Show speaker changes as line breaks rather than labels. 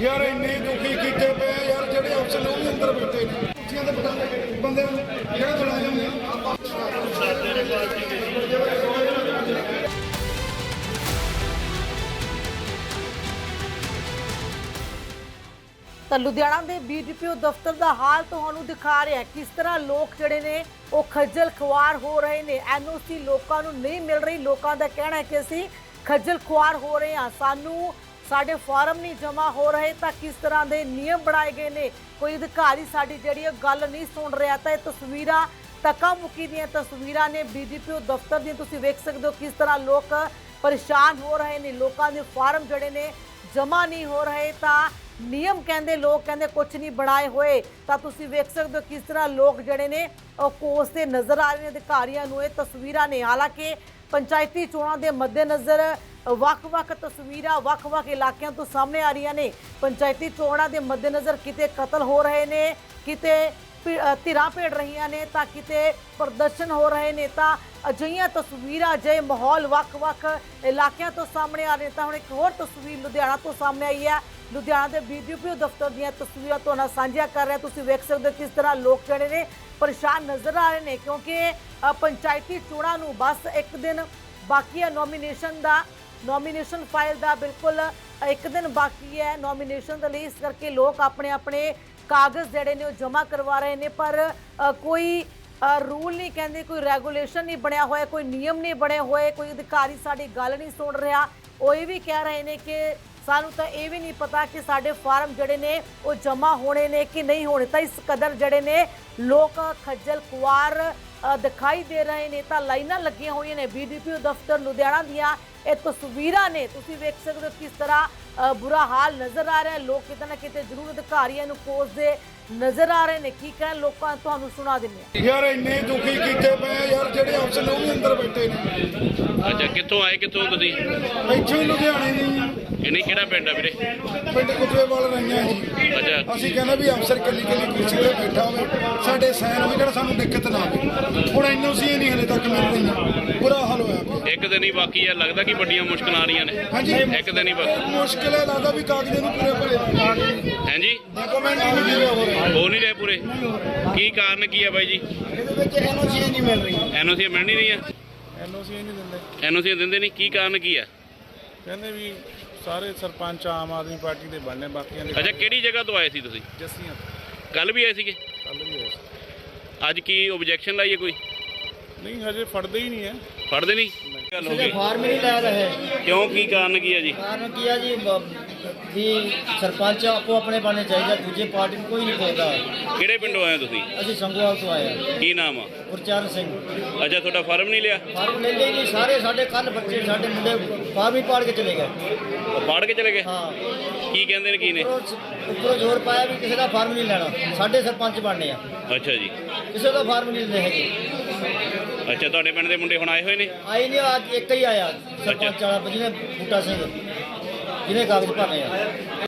यार इन्ने दुखी कीते पे यार जेडे अफसर ने अंदर बैठे ने कुर्सियां ते बिठा बंदे जेडे मुलाजम ने
ਤਾਂ ਲੁਧਿਆਣਾ ਦੇ ਬੀਡੀਪੀਓ ਦਫ਼ਤਰ ਦਾ ਹਾਲ ਤੁਹਾਨੂੰ ਦਿਖਾ ਰਿਹਾ ਕਿਸ ਤਰ੍ਹਾਂ ਲੋਕ ਜਿਹੜੇ ਨੇ ਉਹ ਖੱਜਲ ਖੁਆਰ ਹੋ ਰਹੇ ਨੇ। ਐਨਓਸੀ ਲੋਕਾਂ ਨੂੰ ਨਹੀਂ ਮਿਲ ਰਹੀ। ਲੋਕਾਂ ਦਾ ਕਹਿਣਾ ਹੈ ਕਿ ਅਸੀਂ ਖੱਜਲ ਖੁਆਰ ਹੋ ਰਹੇ ਹਾਂ, ਸਾਨੂੰ ਸਾਡੇ ਫਾਰਮ ਨਹੀਂ ਜਮ੍ਹਾਂ ਹੋ ਰਹੇ। ਤਾਂ ਕਿਸ ਤਰ੍ਹਾਂ ਦੇ ਨਿਯਮ ਬਣਾਏ ਗਏ ਨੇ, ਕੋਈ ਅਧਿਕਾਰੀ ਸਾਡੀ ਜਿਹੜੀ ਗੱਲ ਨਹੀਂ ਸੁਣ ਰਿਹਾ। ਤਾਂ ਇਹ ਤਸਵੀਰਾਂ ਧੱਕਾ ਮੁੱਕੀ ਦੀਆਂ ਤਸਵੀਰਾਂ ਨੇ ਬੀਡੀਪੀਓ ਦਫ਼ਤਰ ਦੀਆਂ। ਤੁਸੀਂ ਵੇਖ ਸਕਦੇ ਹੋ ਕਿਸ ਤਰ੍ਹਾਂ ਲੋਕ ਪਰੇਸ਼ਾਨ ਹੋ ਰਹੇ ਨੇ, ਲੋਕਾਂ ਦੇ ਫਾਰਮ ਜਿਹੜੇ ਨੇ ਜਮ੍ਹਾਂ ਨਹੀਂ ਹੋ ਰਹੇ। ਤਾਂ नियम कहते लोग कहते कुछ नहीं बनाए हुए। तो तुसी वेख सकते हो किस तरह लोग जड़े ने कोसते नज़र आ रहे हैं अधिकारियों नूं। ये तस्वीरां ने हालांकि पंचायती चोणां दे मद्देनज़र ਵੱਖ-ਵੱਖ तस्वीरां ਵੱਖ-ਵੱਖ इलाकों तो सामने आ रही ने। पंचायती चोणां दे मद्देनज़र किते कतल हो रहे ने, किते धिरां भेड़ रही ने, तां किते प्रदर्शन हो रहे ने। तां अजिहियां तस्वीरां अजिहे माहौल ਵੱਖ-ਵੱਖ इलाकों तो सामने आ रहे। तां हुण एक होर तस्वीर लुधियाना तो सामने आई है। लुधियाना के बीडीपीओ दफ्तर दी तस्वीरां तुहाडे नाल साझियां कर रहे हैं। तुसीं वेख सकदे हो किस तरह लोग जिहड़े ने परेशान नज़र आ रहे हैं, क्योंकि पंचायती चोणां नूं बस एक दिन बाकी है नॉमीनेशन दा, नॉमीनेशन फाइल दा बिल्कुल एक दिन बाकी है नॉमीनेशन दे लई। इस करके लोग अपने अपने कागज़ जिहड़े ने जमा करवा रहे हैं, पर कोई रूल नहीं कहते, कोई रेगूलेशन नहीं बनया होया, कोई नियम नहीं बने हुए, कोई अधिकारी साडी गल नहीं सुन रहा। वो ये भी कह रहे हैं कि सानू तो ये भी नहीं पता कि साडे फार्म जड़े ने वो जमा होने ने कि नहीं होने। तो इस कदर जड़े ने लोग खज्जल खुआर दिखाई दे रहे हैं। तो लाइनां लगियां हुई ने बीडीपीओ दफ्तर लुधियाना दियां। ये तस्वीरां ने तुसीं वेख सकदे हो किस तरह बुरा हाल नज़र आ रहा है। लोग किते ना किते जरूर अधिकारियों नूं कोसदे नज़र आ रहे हैं। की कहण लोकां तुहानूं सुणा दिंदे
यार इन्ने दुखी कीते पे यार जेडे अफसर ने अंदर बैठे ने।
अच्छा कित्थों आए कित्थों तुसीं?
ਇੱਥੋਂ ਹੀ ਲੁਧਿਆਣੇ ਦੀ
ਇਹਨੇ ਕਿਹੜਾ ਪਿੰਡ ਆ ਵੀਰੇ?
ਪਿੰਡ ਕੁਤਵੇਵਾਲ ਰਹੀਆਂ ਜੀ।
ਅੱਛਾ
ਅਸੀਂ ਕਹਿੰਦੇ ਵੀ ਅਫਸਰ ਕੱਲੀ ਕੁਰਸੀ ਤੇ ਬੈਠਾ ਹੋਵੇ, ਸਾਡੇ ਸਾਈਨ ਹੋਵੇ, ਜਿਹੜਾ ਸਾਨੂੰ ਦਿੱਕਤ ਨਾ ਆਵੇ। ਹੁਣ ਐਨਓਸੀ ਨਹੀਂ ਹਲੇ ਤੱਕ ਮਿਲ ਰਹੀਆਂ, ਬੁਰਾ ਹਾਲ ਹੋਇਆ ਪਿਆ।
ਇੱਕ ਦਿਨ ਹੀ ਬਾਕੀ ਆ, ਲੱਗਦਾ ਕਿ ਵੱਡੀਆਂ ਮੁਸ਼ਕਲਾਂ ਆ ਰਹੀਆਂ ਨੇ।
ਹਾਂਜੀ
ਇੱਕ ਦਿਨ ਹੀ ਬਾਕੀ।
ਮੁਸ਼ਕਿਲ ਹੈ, ਲੱਗਦਾ ਵੀ ਕਾਗਜ਼ਾਂ ਨੂੰ ਪੂਰੇ ਭਰੇ
ਹਾਂਜੀ
ਡਾਕੂਮੈਂਟ ਨਹੀਂ ਮਿਲ ਰਹੇ,
ਹੋ ਨਹੀਂ ਰਹੇ ਪੂਰੇ। ਕੀ ਕਾਰਨ ਕੀ ਹੈ ਬਾਈ ਜੀ?
ਇਹਦੇ ਵਿੱਚ ਐਨਓਸੀ ਨਹੀਂ ਮਿਲ ਰਹੀ।
ਐਨਓਸੀ ਮਿਲ ਨਹੀਂ ਰਹੀਆਂ?
ਐਨਓਸੀ ਨਹੀਂ ਦਿੰਦੇ।
ਐਨਓਸੀ ਦਿੰਦੇ ਨਹੀਂ, ਕੀ ਕਾਰਨ ਕੀ ਆ?
ਕਹਿੰਦੇ ਵੀ ਸਾਰੇ ਸਰਪੰਚ ਆਮ ਆਦਮੀ ਪਾਰਟੀ ਦੇ ਬਣਨੇ, ਬਾਕੀਆਂ ਦੇ।
ਅੱਛਾ ਕਿਹੜੀ ਜਗ੍ਹਾ ਤੋਂ ਆਏ ਸੀ ਤੁਸੀਂ?
ਜੱਸੀਆਂ
ਕੱਲ ਵੀ ਆਏ ਸੀਗੇ?
ਕੱਲ ਵੀ ਹੋਏ ਸੀ।
ਅੱਜ ਕੀ ਓਬਜੈਕਸ਼ਨ ਲਾਈ ਹੈ ਕੋਈ?
ਨਹੀਂ ਹਜੇ ਫੜਦੇ ਹੀ ਨਹੀਂ ਹੈ।
ਫੜਦੇ ਨਹੀਂ? ਗੱਲ ਹੋ ਗਈ
ਫਾਰਮ ਨਹੀਂ ਲੈ ਰਹੇ।
ਕਿਉਂ, ਕੀ ਕਾਰਨ ਕੀ ਹੈ ਜੀ?
ਕਾਰਨ ਕੀ ਹੈ ਜੀ ਵੀ ਸਰਪੰਚ ਆਪੋ ਆਪਣੇ ਬਣਨੇ ਚਾਹੀਦਾ, ਦੂਜੇ ਪਾਰਟੀ ਨੂੰ ਕੋਈ ਨਹੀਂ ਪੁੱਛਦਾ।
ਕਿਹੜੇ ਪਿੰਡੋਂ ਆਏ ਹੋ ਤੁਸੀਂ?
ਅਸੀਂ ਸੰਗੋਵਾਲ ਤੋਂ ਆਏ ਹਾਂ।
ਕੀ ਨਾਮ ਆ?
ਗੁਰਚਰਨ ਸਿੰਘ।
ਅੱਛਾ ਤੁਹਾਡਾ ਫਾਰਮ ਨਹੀਂ ਲਿਆ?
ਫਾਰਮ ਲੈ ਲਈ ਜੀ, ਸਾਰੇ ਸਾਡੇ ਕੱਲ ਬੱਚੇ ਸਾਡੇ ਮੁੰਡੇ ਫਾਰਮ ਹੀ ਪਾੜ ਕੇ ਚਲੇ ਗਏ।
ਉਹ ਪਾੜ ਕੇ ਚਲੇ ਗਏ?
ਹਾਂ
ਕੀ ਕਹਿੰਦੇ ਨੇ, ਕੀ ਨੇ?
ਉੱਪਰੋਂ ਜ਼ੋਰ ਪਾਇਆ ਵੀ ਕਿਸੇ ਦਾ ਫਾਰਮ ਨਹੀਂ ਲੈਣਾ, ਸਾਡੇ ਸਰਪੰਚ ਬਣਨੇ ਆ।
ਅੱਛਾ ਜੀ।
ਕਿਸੇ ਦਾ ਫਾਰਮ ਨਹੀਂ ਲੈਣੇ ਹੈਗੇ।
ਅੱਛਾ ਤੁਹਾਡੇ ਪਿੰਡ ਦੇ ਮੁੰਡੇ ਹੁਣ ਆਏ ਹੋਏ ਨੇ?
ਆਈ ਨਹੀਂ, ਅੱਜ ਇੱਕ ਹੀ ਆਇਆ ਸਰਪੰਚ ਵਾਲਾ ਜਿਹਨੇ ਬੂਟਾ ਸਿੰਘ, ਜਿਹਨੇ ਕਾਗਜ਼ ਭਰਨੇ ਆ।